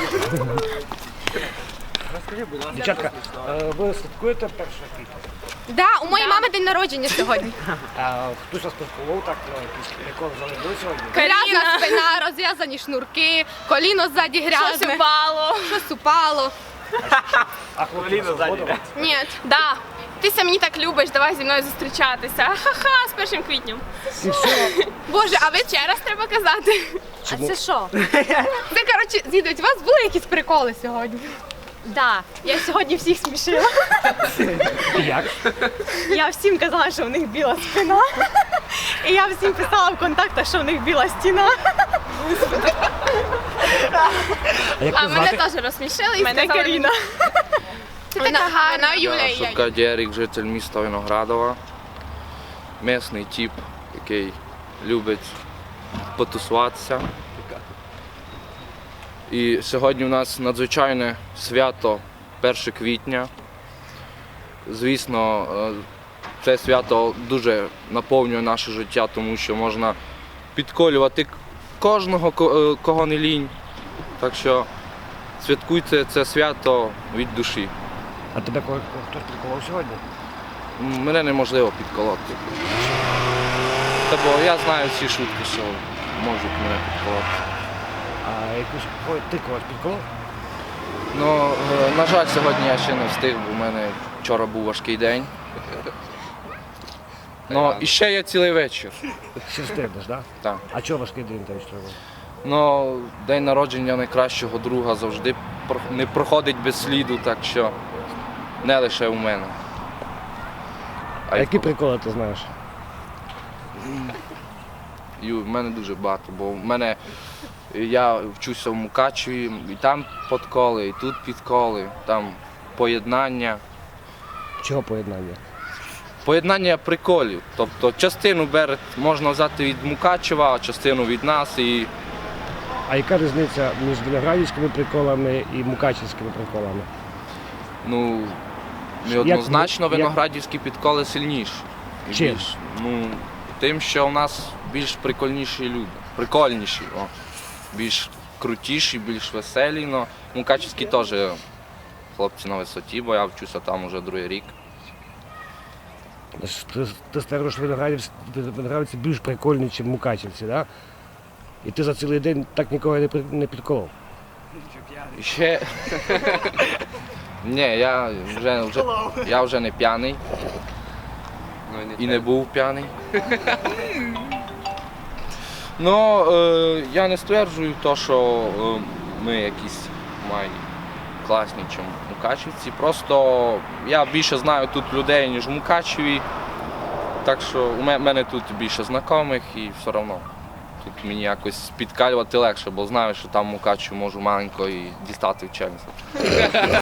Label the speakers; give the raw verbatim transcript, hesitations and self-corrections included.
Speaker 1: Розкажи, будь ласка.
Speaker 2: Дівчатка, е, ви святкуєте перше квітня?
Speaker 3: Да, у моєї мами день народження сьогодні.
Speaker 2: А хтось вас поспілкував так, ну, якісь приколи залишили сьогодні?
Speaker 3: Грязна спина, розв'язані шнурки, коліно ззаді грязне.
Speaker 4: Щось упало.
Speaker 3: Щось упало.
Speaker 2: А хлопці вас згодом?
Speaker 3: Ні.
Speaker 4: Да. Ти ся мені так любиш, давай зі мною зустрічатися. Ха-ха, з першим квітнем.
Speaker 2: І все.
Speaker 3: Боже, а ви
Speaker 4: Ще раз треба казати.
Speaker 2: Чому?
Speaker 3: А це що? Це, коротше, зідуть, у вас були якісь приколи сьогодні?
Speaker 5: Да, я сьогодні всіх смішила.
Speaker 2: Як?
Speaker 5: Я всім казала, що в них біла спина. І я всім писала в контактах, що в них біла стіна.
Speaker 2: А як
Speaker 4: А
Speaker 2: ви
Speaker 4: мене
Speaker 2: звати?
Speaker 4: теж розсмішили і
Speaker 5: Мене
Speaker 4: сказали.
Speaker 5: Каріна.
Speaker 3: Вона гарна.
Speaker 4: Вона Юля і я.
Speaker 6: Шутка Дєрік, житель міста Виноградова. Місний тип, який любить потусуватися. І сьогодні у нас надзвичайне свято перше квітня. Звісно, е, це свято дуже наповнює наше життя, тому що можна підколювати кожного, ко- е, кого не лінь. Так що святкуйте це свято від душі.
Speaker 2: А тебе ко- хтось приколов сьогодні?
Speaker 6: М, Мене неможливо підколоти. Та бо я знаю всі шутки, що можуть мене підколоти.
Speaker 2: А якусь ой, ти когось підколов?
Speaker 6: Ну, е, на жаль, сьогодні я ще не встиг, бо в мене вчора був важкий день. Ну, і ще є цілий вечір.
Speaker 2: Ще встигнеш, так?
Speaker 6: Так.
Speaker 2: А чого важкий день там що?
Speaker 6: Ну, день народження найкращого друга завжди про- не проходить без сліду, так що не лише у мене.
Speaker 2: А
Speaker 6: й
Speaker 2: які
Speaker 6: в-
Speaker 2: приколи ти знаєш?
Speaker 6: І в мене дуже багато, бо в мене я вчуся в Мукачеві, і там подколи, і тут підколи, там поєднання.
Speaker 2: Чого поєднання?
Speaker 6: Поєднання приколів. Тобто частину бере, можна взяти від Мукачева, а частину від нас. І
Speaker 2: А яка різниця між виноградівськими приколами і мукачівськими приколами?
Speaker 6: ну,
Speaker 2: Як-
Speaker 6: неоднозначно
Speaker 2: як-
Speaker 6: виноградівські підколи сильніші. І
Speaker 2: Чим?
Speaker 6: більш, ну, тим, що у нас більш прикольніші люди. Прикольніші, о. Більш крутіші, більш веселі. Но мукачівські теж хлопці на висоті, бо я вчуся там уже другий рік.
Speaker 2: Ти, ти стверджуєш, що виноградівці, виноградівці більш прикольні, ніж мукачівці, так? І ти за цілий день так нікого не, при- не підколов.
Speaker 6: І ще. Ні, я вже, вже, я вже не п'яний і не був п'яний. Ну, е, я не стверджую те, що е, ми якісь май класні, ніж мукачівці. Просто я більше знаю тут людей, ніж в Мукачеві. Так що у ме- мене тут більше знайомих і все одно. Тут мені якось підкалювати легше, бо знаю, що там в Мукачеві можу маленько і дістати в челюсть.